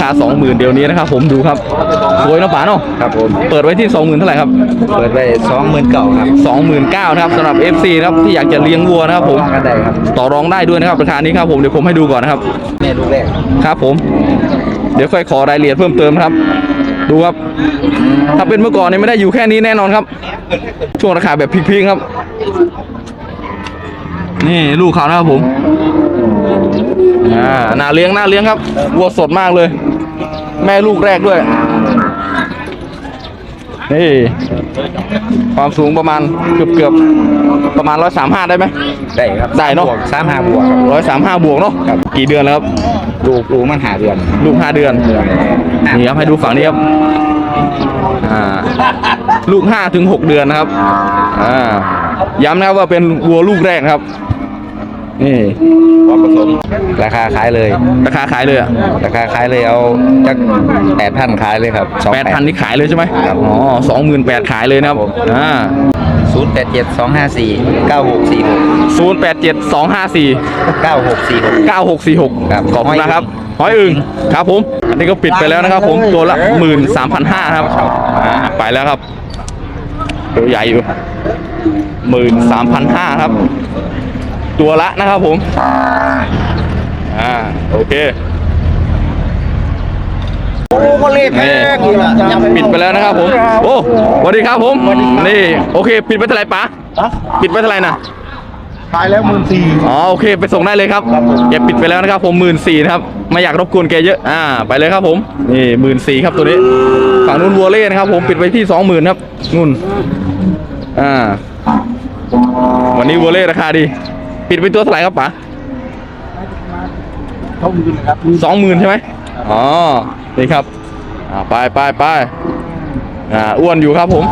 คา 20,000เดี๋ยวนี้นะครับผมดูครับสวยนะป๋าเนาะครับผมเปิดไว้ที่ 20,000เท่าไหร่ครับเปิดไป29,000ครับ 29,000นะครับสำหรับ FC นะครับที่อยากจะเลี้ยงวัวนะครับผมกันได้ครับต่อรองได้ด้วยนะครับราคานี้ครับผมเดี๋ยวผมให้ดูก่อนนะครับแม่ลูกแรกครับผมเดี๋ยวค่อยขอรายละเอียดเพิ่มเติมครับดูครับถ้าเป็นเมื่อก่อนเนี่ยไม่ได้อยู่แค่นี้แน่นอนครับช่วงราคาแบบพลิกๆครับนี่ลูกเขานะครับผมน่าเลี้ยงครับวัวสดมากเลยแม่ลูกแรกด้วยนี่ความสูงประมาณเกือบประมาณ135ได้ไหมได้ครับได้เนาะ 35บวกครับ 135บวกเนาะกี่เดือนแล้วครับลูกมัน5เดือนลูก5 เดือนนี่ครับให้ดูฝั่งนี้ครับลูก5 ถึง 6 เดือนนะครับย้ำนะครับว่าเป็นวัวลูกแรกครับนี่พร้อมผสมราคาขายเลยราคาขายเลยอะราคาขายเลยเอาจัก8,000ขายเลยครับ 8,000นี่ขายเลยใช่ไหมอ๋อ28,000ขายเลยนะครับ 0872549646 087254 9646 9646 ครับขอบคุณนะครับหอยอึ่งครับผมอันนี้ก็ปิดไปแล้วนะครับผมตัวละ 13,500ครับไปแล้วครับตัวใหญ่อยู่ 13,500ครับตัวละนะครับผมโอเคนี่ปิดไปแล้วนะครับผมโอ้สวัสดีครับผมนี่โอเคปิดไปเท่าไหร่ป๋าปิดไปเท่าไหร่นะขายแล้ว14,000 อ๋อโอเคไปส่งได้เลยครับแกปิดไปแล้วนะครับผม14,000นะครับไม่อยากรบกวนแกเยอะไปเลยครับผมนี่14,000ครับตัวนี้ฝั่งนู้นวัวเล่นะครับผมปิดไปที่20,000ครับนู่นวันนี้วัวเล่ราคาดีปิดไปตัวเท่าไหร่ครับป๋า20,000ใช่ไหมอ๋อนี่ครับไปอ้วนอยู่ครับผม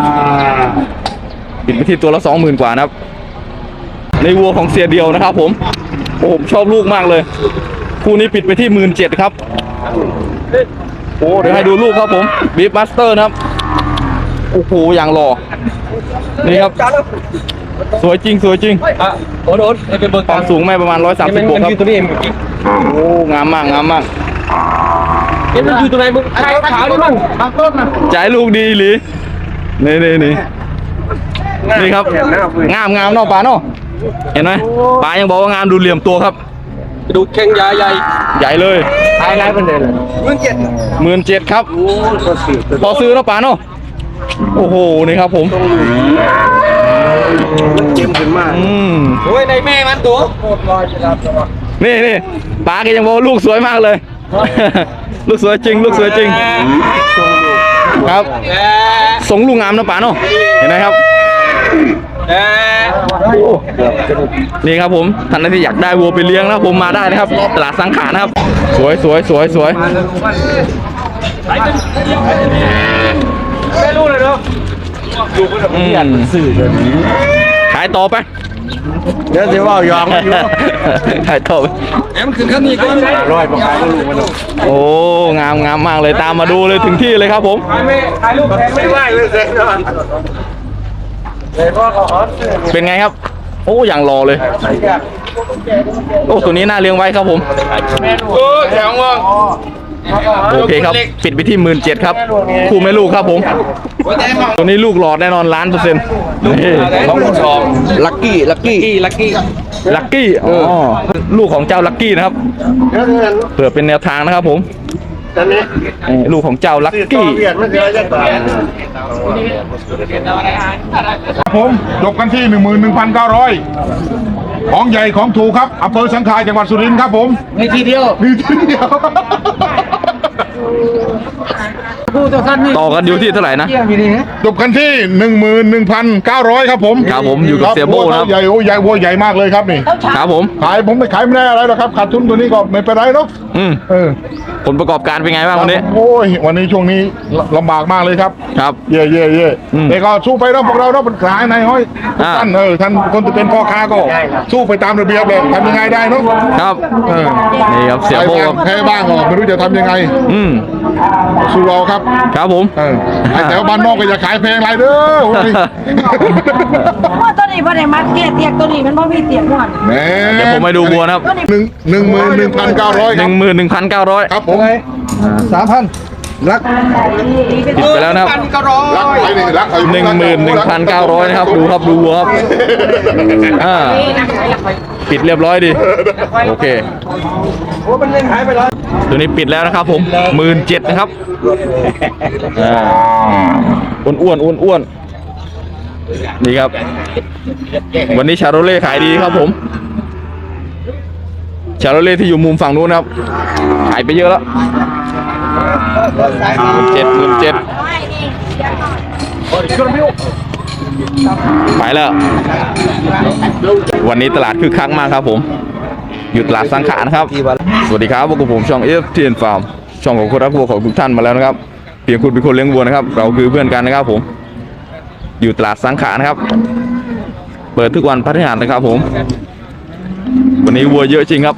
ปิดไปที่ตัวละ20,000กว่านะครับในวัวของเสียเดียวนะครับผมผมชอบลูกมากเลยคู่นี้ปิดไปที่17,000ครับโอ้เดี๋ยวให้ดูลูกครับผมบีฟมาสเตอร์นะครับโอ้โหอย่างหล่อนี่ครับสวยจริงโอ้โหเป็นเบอร์ความสูงแม่ประมาณ130บวกครับโอ้งามมากมันอยู่ตรงไหนมึงขาวนี่มั้งบางต้นนะใจลูกดีหรือนี่ครับงามเนาะป๋าเนาะเห็นไหมป๋ายังบอกว่างามดูเหลี่ยมตัวครับดูแข้งใหญ่เลยขายไรเป็นเดือน 17,000ครับพอซื้อเนาะป๋าเนาะโอ้โหนี่ครับผมเจ็บขึ้นมากโอ้ยในแม่มันตัวนี่ป๋าก็ยังบอกลูกสวยมากเลยลูกสวยจริงครับส่งลูกงามนะป๋าเนาะเห็นไหมครับนี่ครับผมท่านที่อยากได้วัวไปเลี้ยงนะผมมาได้นะครับตลาดสังขารนะครับสวยไม่รู้เลยเนาะอยู่บนเตียงสื่อเลยขายต่อไปเดี๋ยวจะว่ายองอยู่ขายต่อไปมันขึ้นขั้นนี้ก็ร้อยกว่าขายก็รู้มันโอ้งามมากเลยตามมาดูเลยถึงที่เลยครับผมขายลูกแพงไม่ไหวเลยเซ็งเนาะเป็นไงครับโอ้อย่างรอเลยโอ้ตัวนี้น่าเลี้ยงไว้ครับผมแข็งว่ะโอเคครับปิดไปที่17,000ครับคู่แม่ลูกครับผมตัวนี้ลูกหลอดแน่นอน1,000,000% ลักกี้ลูกของเจ้าลักกี้นะครับเผื่อเป็นแนวทางนะครับผมลูกของเจ้าลักกี้ผมจบกันที่ 11,900ของใหญ่ของถูกครับอำเภอสังขารจังหวัดสุรินทร์ครับผมมีทีเดียวต่อกันอยู่ที่เท่าไหร่นะจบกันที่ 11,900ครับผมอยู่กับเสียโบ้นะครับใหญ่วัวใหญ่มากเลยครับนี่ครับผมไม่ขายไม่ได้อะไรหรอกครับขาดทุนตัวนี้ก็ไม่เป็นไรเนาะผลประกอบการเป็นไงบ้างวันนี้โอ้ยวันนี้ช่วงนี้ลำบากมากเลยครับเย่แต่ก็สู้ไปแล้วพวกเราเป็นขายนายห้อยท่านท่านคนที่เป็นพ่อค้าก็สู้ไปตามระเบียบเลยทำยังไงได้เนาะครับนี่ครับเสียโบ้แพ้บ้างก็ไม่รู้จะทำยังไงสู้เราครับผมแต่ว่าบ้านนอกก็อย่าขายแพงไรเด้อว่าตัวนี้พอได้มัดเตียกตัวนี้มันบ่มีเตียกหมดเดี๋ยวผมไปดูบัวนะครับ 11,900 11,900 ครับผม 3,000รักปิดไปแล้วนะครับรักไปนี่รักไป 11,900นะครับดูครับดูวัวครับปิดเรียบร้อยดีโอเคตัวนี้ปิดแล้วนะครับผม17,000นะครับอ้วนนี่ครับวันนี้ชาโรเล่ขายดีครับผมชาโรเล่ที่อยู่มุมฝั่งนู้นนะครับขายไปเยอะแล้ว17,000ไปแล้ววันนี้ตลาดคึกคักมากครับผมอยู่ตลาดสังขารนะครับสวัสดีครับพวกผมช่อง FTN Farm ช่องของคนรักวัวของทุกท่านมาแล้วนะครับเพียงคุณเป็นคนเลี้ยงวัวนะครับเราคือเพื่อนกันนะครับผมอยู่ตลาดสังขารนะครับเปิดทุกวันพฤหัสนะครับผมวันนี้วัวเยอะจริงครับ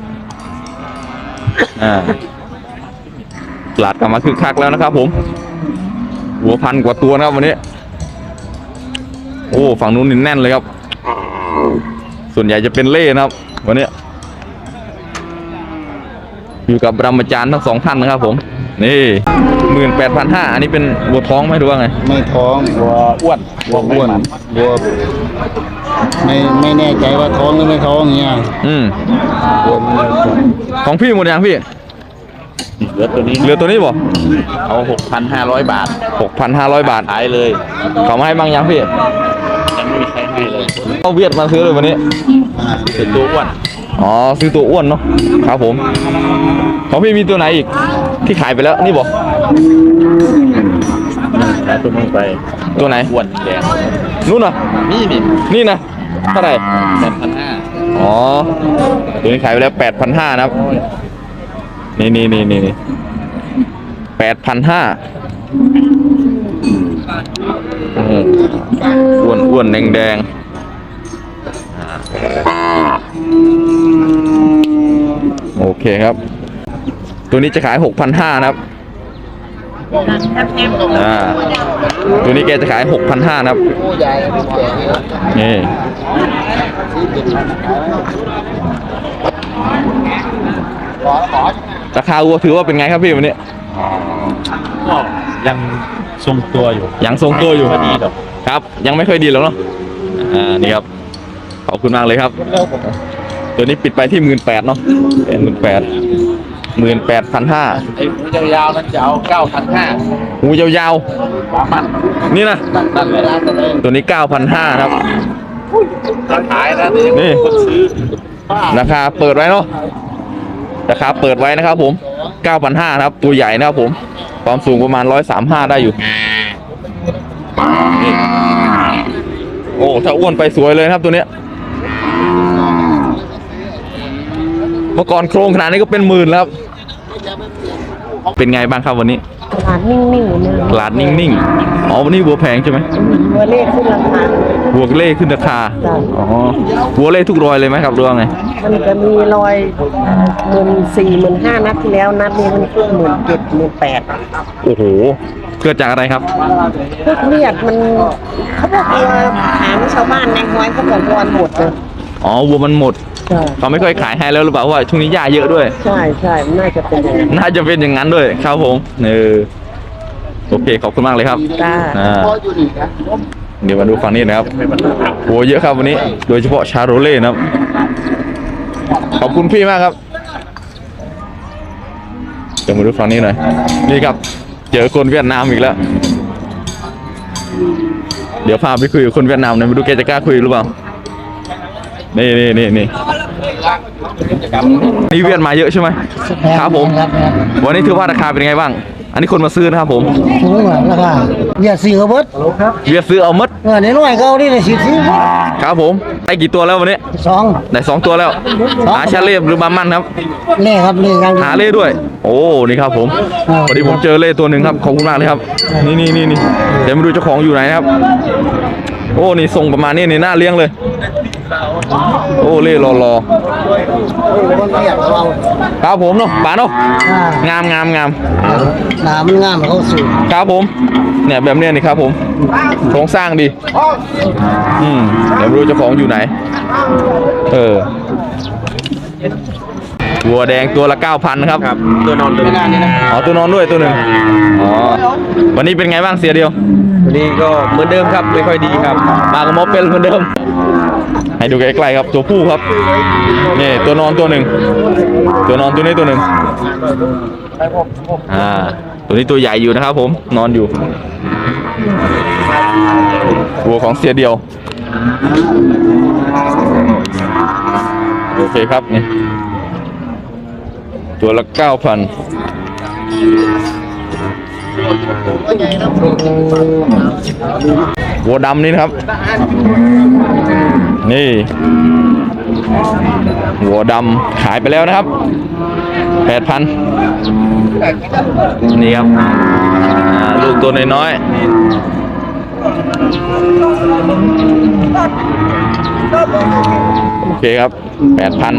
ตลาดกลับมาคึกคักแล้วนะครับผมวัว1,000 กว่าตัวนะครับวันนี้โอ้ฝั่งนู้นนี่แน่นเลยครับส่วนใหญ่จะเป็นเล่นะครับวันนี้อยู่กับบรมาจารย์ทั้งสองท่านนะครับผมนี่ 18,500อันนี้เป็นวัวท้องไหมดูว่าไงไม่ท้องวัวอ้วนวัวไม่แน่ใจว่าท้องหรือไม่ท้องเงี้ยของพี่หมดยังพี่เหลือตัวนี้บ่เอา 6,500 บาท 6,500 บาทขายเลยเขามาให้บางยังพี่ยังไม่มีใครให้เลยเอาเวียดมาซื้อเลยวันนี้เป็นตัวอ้วนอ๋อซื้อตัวอ้วนเนาะครับผมของพี่มีตัวไหนอีกที่ขายไปแล้วนี่บ่แล้วตัวนู้นไปตัวไหนอ้วนแดงนู่นน่ะ นี่นะเท่าไหร่ 8,500 อ๋อตัวนี้ขายไปแล้ว 8,500นะครับนี่8,500อ้วนแดงโอเคครับตัวนี้จะขาย 6,500นะครับตัวนี้แกจะขาย 6,500นะครับนี่ราคาวัวถือว่าเป็นไงครับพี่วันนี้ยังทรงตัวอยู่ยังทรงตัวอยู่ไม่ดีหรอกครับยังไม่ค่อยดีหรอกเนาะนี่ครับขอบคุณมากเลยครับตัวนี้ปิดไปที่ 18,000เนาะ18,500 ไอ้หูยาวๆนั้นจะเอา 9,500 หูยาวมันๆนี่นะนั่นเลยตัวนี้ 9,500ครับขายนะนี่คนซื้อราคาเปิดไว้เนาะราคาเปิดไว้นะครับผม 9,500ครับตัวใหญ่นะครับผมความสูงประมาณ135ได้อยู่นี่โอ้ถ้าอ้วนไปสวยเลยครับตัวเนี้ยเมื่อก่อนโครงขนาดนี้ก็เป็นหมื่นแล้วครับเป็นไงบ้างครับวันนี้ตลาดนิ่งๆเนี่ยตลาดนิ่งๆอ๋อวันนี้วัวแพงใช่ไหมวัวเลขขึ้นราคาวัวเล่ขึ้นราคาอ๋อวัวเล่ทุกรอยเลยไหมครับหรือว่าไงมันจะมีรอย14,000 15,000นัดที่แล้วนัดนี้มันขึ้น17,000 18,000 โอ้โหเกิดจากอะไรครับพวกเวียดมันเขาบอกว่าถามชาวบ้านในห้อยเขาบอกวัวหมดเลยอ๋อวัวมันหมดใช่เขาไม่ค่อยขายให้แล้วหรือเปล่าเพราะว่าช่วงนี้หญ้าเยอะด้วยใช่มันน่าจะเป็นอย่างนั้นน่าจะเป็นอย่างนั้นด้วยครับผมโอเคขอบคุณมากเลยครับจ้าเดี๋ยวมาดูฝั่งนี้นะครับโหเยอะครับวันนี้ โดยเฉพาะชาโรเล่นะครับขอบคุณพี่มากครับเดี๋ยวมาดูฝั่งนี้หน่อยนี่ครับเจอคนเวียดนามอีกแล้วเดี๋ยวพาไปคุยกับคนเวียดนามหน่อยมาดูแกจะกล้าคุยหรือเปล่านี่เวียดมาเยอะใช่ไหมครับผมวันนี้ถือว่าราคาเป็นไงบ้างอันนี้คนมาซื้อนะครับผมสูงกว่าราคาอย่าซื้อเอาเบิดเวียดซื้อเอามัดในน้อยเขานี่เลยสิซื้อครับผมได้กี่ตัวแล้ววันนี้สองได้2 ตัวแล้วหาชาเล่หรือบามันครับเล่ครับเล่กันหาเล่ด้วย โอ้นี่ครับผมพอดีผมเจอเล่ตัวหนึ่งครับขอบคุณมากเลยครับนี่เดี๋ยวมาดูเจ้าของอยู่ไหนนะครับโอ้นี่ทรงประมาณนี้นี่น่าเลี้ยงเลยโอ้เล่รอครับผมเนาะป๋าเนาะงามหนามันงามเขาสูงครับผมเนี่ยแบบเนี้ยนี่ครับผมโครงสร้างดีเดี๋ยวไม่รู้เจ้าของอยู่ไหนวัวแดงตัวละ 9,000นะครับครับตัวนอนตัวนี้นะอ๋อตัวนอนด้วยตัวหนึ่งอ๋อวันนี้เป็นไงบ้างเสียเดียววันนี้ก็เหมือนเดิมครับไม่ค่อยดีครับมากับมอเป็นเหมือนเดิม ให้ดูใกล้ๆครับตัวผู้ครับนี่ตัวนอนตัวหนึ่งตัวนอนตัวนี้ตัวหนึ่งตัวนี้ตัวใหญ่อยู่นะครับผมนอนอยู่วัวของเสียเดียวโอเคครับนี่ตัวละ 9,000วัวดำนี่นะครับนี่วัวดำขายไปแล้วนะครับ 8,000นี่ครับลูกตัวน้อยๆโอเคครับ 8,000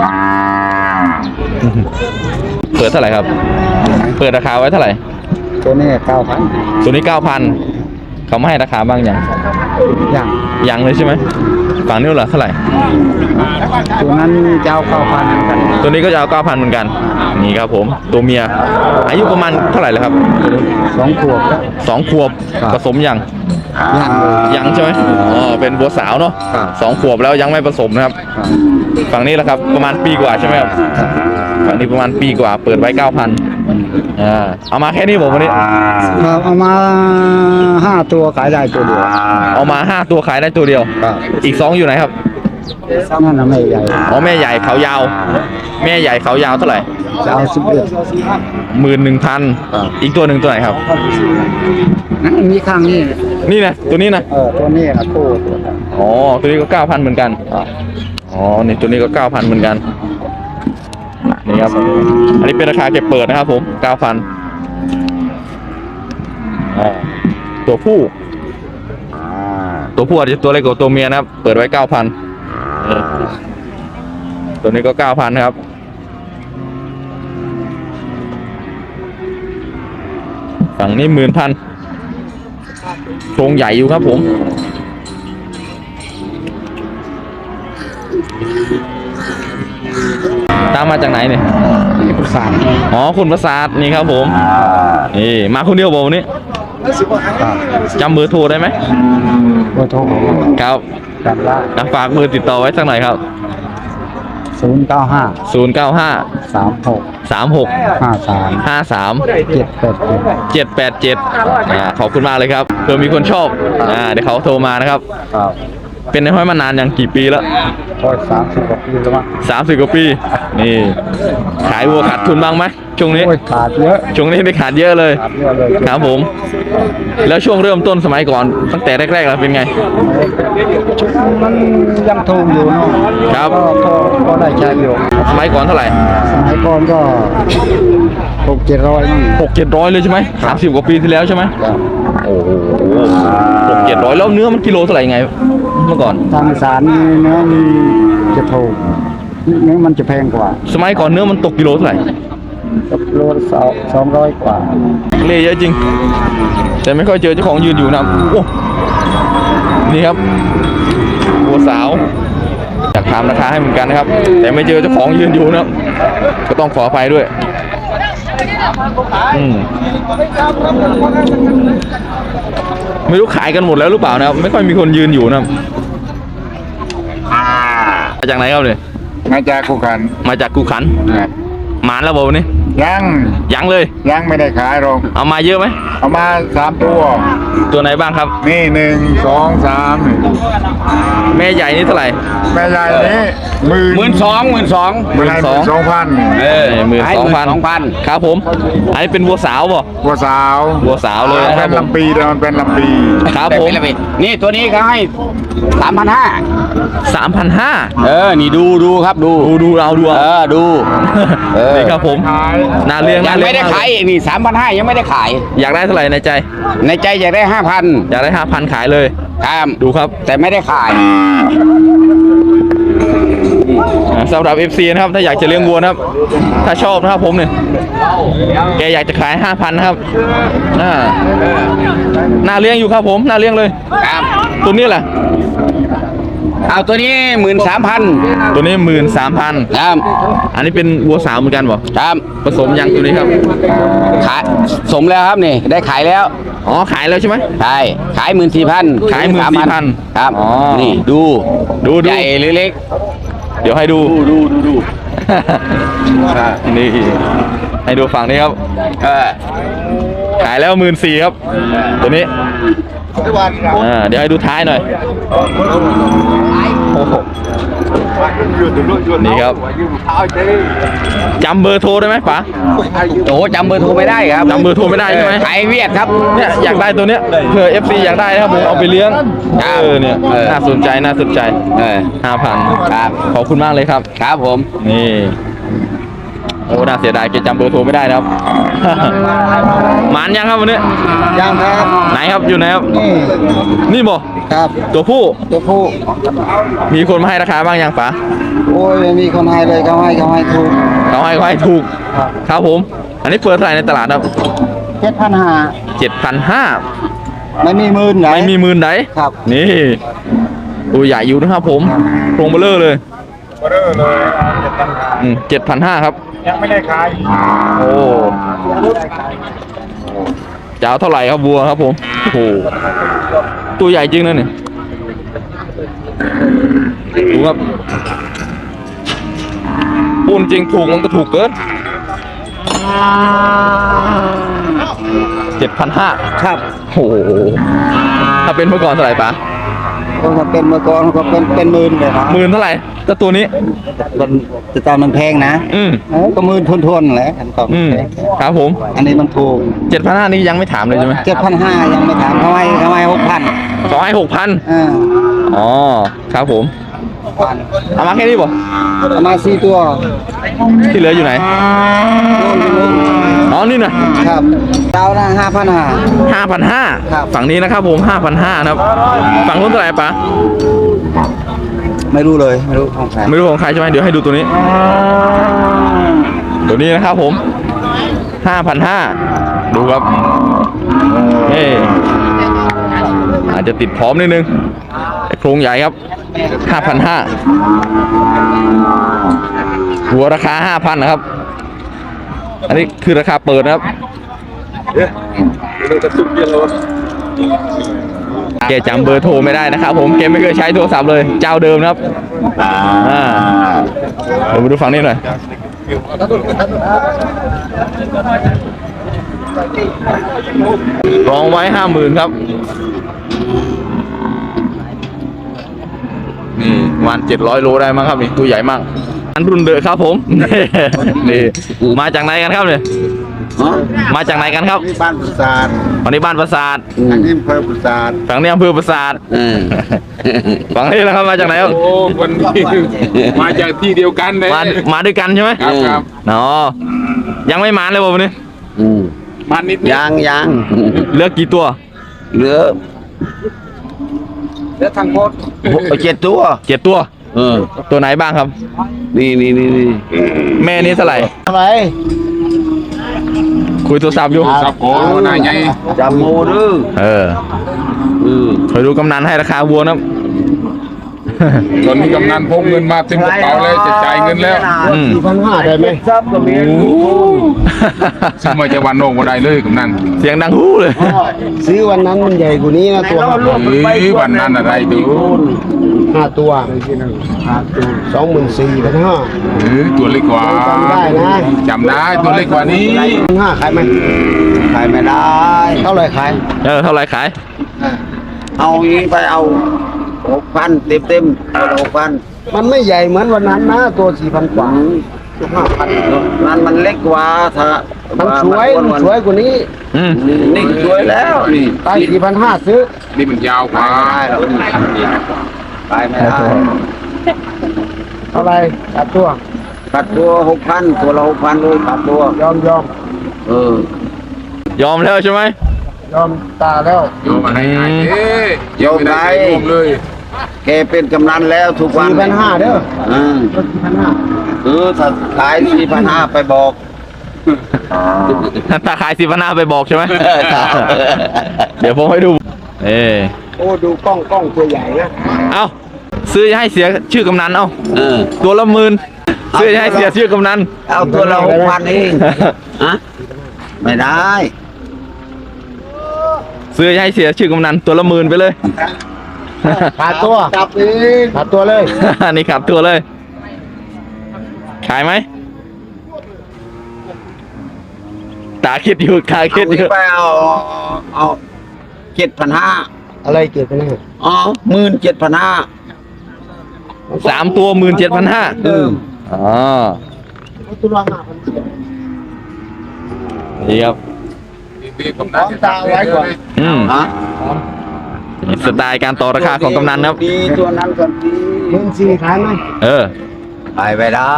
เปิดเท่าไหร่ครับเปิดราคาไว้เท่าไหร่ตัวนี้9,000 ตัวนี้ 9,000เขาไม่ให้ราคาบ้างยังอย่างยังเลยใช่ไหมฝั่งนี้เหรอเท่าไหร่ตัวนั้นเจ้า9,000เหมือนกันตัวนี้ก็จะเอา 9,000เหมือนกันนี่ครับผมตัวเมียอายุประมาณเท่าไหร่แล้วครับ 2 ขวบแล้ว 2 ขวบครับผสมยังอย่างเลยยังใช่ไหมอ๋อเป็นบัวสาวเนาะครับ 2 ขวบแล้วยังไม่ผสมนะครับ ฝั่งนี้แหละครับประมาณปีกว่าใช่ไหมครับฝั่งนี้ประมาณปีกว่าเปิดไว้ 9,000เอามาแค่นี้ผมวันนี้ครับเอามา5ตัวขายได้ตัวเดียวเอามา5ตัวขายได้ตัวเดียวครับอีก2อยู่ไหนครับนั่นน่ะไม่ใหญ่อ๋อแม่ใหญ่เขายาว แม่ใหญ่เขายาวเท่าไหร่จะเอา11 11,000อีกตัวหนึ่งตัวไหนครับมีข้างนี้นี่นะตัวนี้นะตัวนี้นะคู่อ๋อตัวนี้ก็ 9,000เหมือนกันอ๋อนี่ตัวนี้ก็ 9,000เหมือนกันนี่ครับอันนี้เป็นราคาเก็บเปิดนะครับผม 9,000ตัวผู้อาจจะตัวเล็กกว่าตัวเมียนะครับเปิดไว้ 9,000ตัวนี้ก็ 9,000นะครับฝั่งนี้ 10,000โครงใหญ่อยู่ครับผมตามมาจากไหนเนี่ยประสานอ๋อคุณประสาทนี่ครับผมนี่มาคนเดียวบอกวันนี้จำเบอร์โทรได้ไหมเบอร์โทรครับจำได้ฝากเบอร์ติดต่อไว้สักหน่อยครับ 095 095 36 36 53 53 787 787ขอบคุณมากเลยครับเผื่อมีคนชอบเดี๋ยวเขาโทรมานะครับครับเป็นในห้อยมานานยังกี่ปีแล้วก็30 กว่าปีแล้วมั้ง 30 กว่าปีนี่ขายวัวขาดทุนบ้างไหมช่วงนี้โอ้ยขาดเยอะช่วงนี้ไม่ขาดเยอะเลยขาดเยอะเลยครับผม แล้วช่วงเริ่มต้นสมัยก่อนตั้งแต่แรกๆแล้วเป็นไงมันยังถูกอยู่เนาะครับก็ได้ใช้อยู่สมัยก่อนเท่าไหร่สมัยก่อนก็600-700นี่ 600-700เลยใช่ไหม30 กว่าปีที่แล้วใช่ไหมครับโอ้โห600-700แล้วเนื้อมันกิโลเท่าไหร่ไงเมื่อก่อนทางอีสารนี่เนื้อมันจะถูกเนื้อมันจะแพงกว่าสมัยก่อนเนื้อมันตกกิโลเท่าไหร่โลละ200 กว่าเละเยอะจริง แต่ไม่ค่อยเจอเจ้าของยืนอยู่นะโอ้นี่ครับวัวสาวอยากถามราคาให้เหมือนกันนะครับ แต่ไม่เจอเจ้าของยืนอยู่นะครับก็ต้องขออภัยด้วยไม่รู้ขายกันหมดแล้วหรือเปล่านะครับไม่ค่อยมีคนยืนอยู่นะครับมาจากไหนครับเนี่ยมาจากคู่ขันมาจากกูขันหมานแล้วบอกวันนี้ยังยังเลยยังไม่ได้ขายหรอกเอามาเยอะไหมเอามา3 ตัวตัวไหนบ้างครับนี่1 2 3 แม่ใหญ่นี่เท่าไหร่แม่ใหญ่นี้12,000 12,000 12,000ครับผมอันนี้เป็นวัวสาวป่ะวัวสาววัวสาวเลยนะครับเป็นผมลำปีแต่มันเป็นลำปีครับผมนี่ตัวนี้เขาให้ 3,500 3,500 นี่ดูครับดูดูเราดูเอาดูนี่ครับผมขายน่าเลี้ยงยังไม่ได้ขายอีกนี่ 3,500 ยังไม่ได้ขายอยากได้เท่าไหร่ในใจในใจอยากได้ 5,000 อยากได้ 5,000 ขายเลยครับดูครับแต่ไม่ได้ขายสำหรับ FC นะครับถ้าอยากจะเลี้ยงวัวนะครับ ถ้าชอบนะครับผมเนี่ยแกอยากจะขาย 5,000 นะครับน่าเลี้ยงอยู่ครับผมน่าเลี้ยงเลยครับตัวนี้แหละเอาตัวนี้13,000 ตัวนี้13,000 ครับอันนี้เป็นวัวสาวเหมือนกันบ่ครับผสมยังตัวนี้ครับขายสมแล้วครับนี่ได้ขายแล้วอ๋อขายแล้วใช่ไหมใช่ขาย14,000 ขาย14,000 ครับอ๋อนี่ดูดูใหญ่หรือเล็กเดี๋ยวให้ดูดู นี่ให้ดูฝั่งนี้ครับ ขายแล้ว14,000ครับ ตัวนี้เดี๋ยวให้ดูท้ายหน่อยโอ้โหนี่ครับจำเบอร์โทรได้ไหมป๋าโอ้จำเบอร์โทรไม่ได้ครับจำเบอร์โทรไม่ได้ใช่ไหมขายเวียดครับเนี่ยอยากได้ตัวเนี้ยเผื่อ FC อยากได้นะครับผมเอาไปเลี้ยงครับเนี่ยเออน่าสนใจเออ 5,000 ครับขอบคุณมากเลยครับครับผมนี่โอ้น่าเสียดายแกจำเบอร์โทรไม่ได้นะครับ หมานยังครับวันนี้ยังครับไหนครับอยู่ไหนครับนี่นี่บ่ครับตัวผู้ตัวผู้มีคนมาให้ราคาบ้างยังป๋าโอ้ยไม่มีคนให้เลยเขาให้ถูกเขาให้ถูกครับผม อันนี้เปิดเท่าไหร่ในตลาดครับ 7,500 7,500 ไม่มีหมื่นไหนไม่มีหมื่นไหนครับนี่ตัวใหญ่อยู่นะครับผมโครงเบลเลอร์เลย 7,500ครับยังไม่ได้ขายโอ้จะเอาเท่าไหร่ครับวัวครับผมโอ้โหตัวใหญ่จริงนะเนี่ยดูครับปูนจริงถูกมันก็ถูกเกิน 7,500 ครับโอ้โหถ้าเป็นเมื่อก่อนเท่าไหร่ปะก็เป็นเมื่อก่อนก็เป็นหมื่นเลยครับหมื่นเท่าไหร่แต่ตัวนี้มันจะตามมันแพงนะ ก็หมื่นทวนๆแหละอันต่อครับผมอันนี้มันถูก 7,500นี่ยังไม่ถามเลยใช่ไหม 7,500ยังไม่ถามเขาให้6,000 ขอให้6,000 อ๋อครับผมเอามาแค่นี้บ่ประมาณ4ตัวที่เหลืออยู่ไหนนู่นอ๋อนี่นะครับดาวนะ5,500 5,500 ครับฝั่งนี้นะครับผม5,500นะครับฝั่งนู้นเท่าไหร่ปะไม่รู้เลยไม่รู้ของใครไม่รู้ของใครใช่ไหมเดี๋ยวให้ดูตัวนี้ ตัวนี้นะครับผม 5,500 ดูครับนี่อาจจะติดพร้อมนิดนึงแต่โครงใหญ่ครับ 5,500 หัวราคา 5,000 นะครับ อันนี้คือราคาเปิดนะครับแกจำเบอร์โทรไม่ได้นะครับผมแกไม่เคยใช้โทรศัพท์เลยเจ้าเดิมนะครับเดี๋ยวมาดูฝั่งนี้หน่อยรองไว้ 50,000 ครับนี่วัน700 โลได้มั้งครับนี่ตัวใหญ่มากอันรุ่นเดอะครับผม นี่มาจากไหนกันครับเนี่ยมาจากไหนกันครับที่บ้านปราสาทฝั่งนี้บ้านปราสาทอันนี้อำเภอปราสาทฝั่งนี้อำเภอปราสาทฝั่งนี้นะครับมาจากไหนครับโอ้วันนี้มาจากที่เดียวกันเลยมาด้วยกันใช่ไหมครับอ๋อยังไม่มาเลยวันนี้มันนิดยังเหลือกี่ตัวเหลือทางโคตร7 ตัว 7 ตัวตัวไหนบ้างครับนี่แม่นี้เท่าไหร่อะไรคุยโทรศัพท์อยู่ครับโอ้นายใหญ่จำโมดื้อเคยดูกำนันให้ราคาวัวนะตอนนี้กำนันพกเงินมาเต็มกระเป๋าเลยจะจ่ายเงินแล้ว 4,500ได้ไหมซับก็มีซึ่งมาจะวันโนมาได้เลยกำนันเสียงดังฮู้เลยซื้อวันนั้นมันใหญ่กว่านี้นะตัววันนั้นอะไรดู 5 ตัว24,500 ตัวเล็กกว่าจำได้นะจำได้ตัวเล็กกว่านี้ 5ขายไหมขายไม่ได้เท่าไหร่ขายเท่าไหร่ขายเอาอีกไปเอา 6,000 เต็ม6,000มันไม่ใหญ่เหมือนวันนั้นนะตัว 4,000 กว่า 5,000นั้นมันเล็กกว่าถ้ามันสวยกว่านี้นี่สวยแล้วนี่ไป 4,500 ซื้อนี่มันยาวกว่าไปไม่ได้เท่าไหร่ตัดตัว 6,000 ตัวละ 6,000เลยตัดตัวยอมยอมแล้วใช่ไหมยอมตาแล้วโยมอะไรโยมได้รวมเลยแกเป็นกำนันแล้วทุกวัน 4,500 เด้อ4,500ถ้าขาย 4,500 ไปบอกถ้าขาย10,500ไปบอกใช่ไหม เดี๋ยวผมให้ดูโอ้ดูกล้องตัวใหญ่นะเอาซื้อให้เสียชื่อกำนันเอา ตัวละ10,000ซื้อให้เสียชื่อกำนันเอาตัวเรา6,000เองฮะไม่ได้ซื้อให้เสียชื่อกำนันตัวละ10,000ไปเลยขาดตัวจับเองขาดตัวเลยนี่ขับตัวเลย ขายไหมตาคิดอยู่ตาคิดอยู่ไปเอา7,500 อะไรเกิดขึ้นเนี่ยอ๋อ17,500 3 ตัว17,500อ๋อนี่ครับตาไว้ก่อนฮะสไตล์การต่อราคาของกำนันครับดีตัวนั้นก่อนดี 14,000ขายไหมไปไม่ได้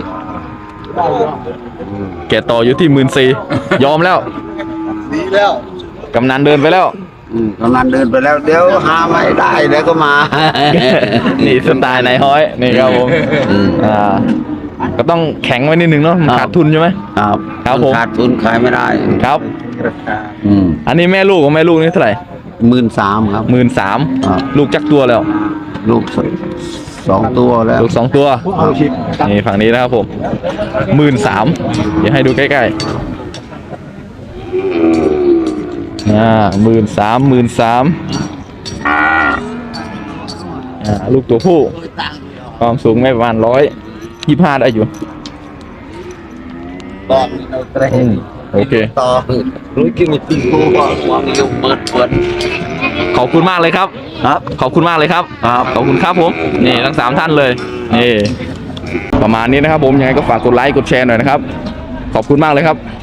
แกต่ออยู่ที่14,000ยอมแล้วดีแล้วกำนันเดินไปแล้วกำลังเดินไปแล้วเดี๋ยวหาไม่ได้เดี๋ยวก็มานี่สไตล์นายฮ้อยนี่ครับผมก็ต้องแข็งไว้นิดนึงเนาะมันขาดทุนใช่ไหมครับครับผมขาดทุนขายไม่ได้ครับ อันนี้แม่ลูกของแม่ลูกนี่เท่าไหร่ 13,000ครับ 13,000 ครับลูกจักตัวแล้วลูก2 ตัวแล้วลูก2 ตัวนี่ฝั่งนี้นะครับผม13,000เดี๋ยวให้ดูใกล้ๆ13,000ลูกตัวผู้ความสูงไม่ประมาณ125ได้อยู่ตอนนี้เราเตะโอเคต่อรู้กินมีตีกูก็วางอยู่เปิดขอบคุณมากเลยครับครับขอบคุณมากเลยครับครับขอบคุณครับผม นี่ทั้ง3ท่านเลย นี่ ประมาณนี้นะครับผม ยังไงก็ฝากกดไลค์ กดแชร์หน่อยนะครับ ขอบคุณมากเลยครับ